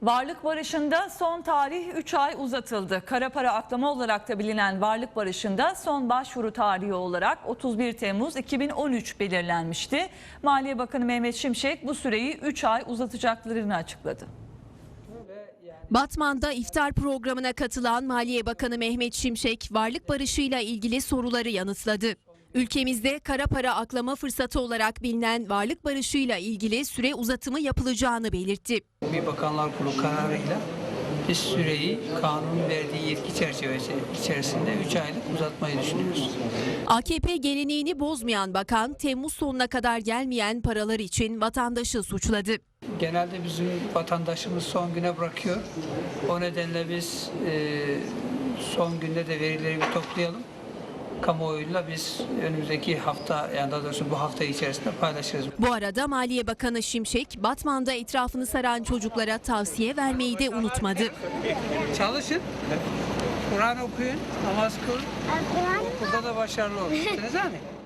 Varlık barışında son tarih 3 ay uzatıldı. Kara para aklama olarak da bilinen varlık barışında son başvuru tarihi olarak 31 Temmuz 2013 belirlenmişti. Maliye Bakanı Mehmet Şimşek bu süreyi 3 ay uzatacaklarını açıkladı. Batman'da iftar programına katılan Maliye Bakanı Mehmet Şimşek varlık barışıyla ilgili soruları yanıtladı. Ülkemizde kara para aklama fırsatı olarak bilinen varlık barışıyla ilgili süre uzatımı yapılacağını belirtti. Bir Bakanlar Kurulu kararıyla biz süreyi kanunun verdiği yetki çerçevesi içerisinde 3 aylık uzatmayı düşünüyoruz. AKP geleneğini bozmayan bakan Temmuz sonuna kadar gelmeyen paralar için vatandaşı suçladı. Genelde bizim vatandaşımız son güne bırakıyor. O nedenle biz son günde de verileri bir toplayalım. Kamuoyuyla biz önümüzdeki hafta, yani daha doğrusu bu hafta içerisinde paylaşırız. Bu arada Maliye Bakanı Şimşek, Batman'da etrafını saran çocuklara tavsiye vermeyi de unutmadı. Çalışın, Kur'an okuyun, namaz kılın, okulda da başarılı olun.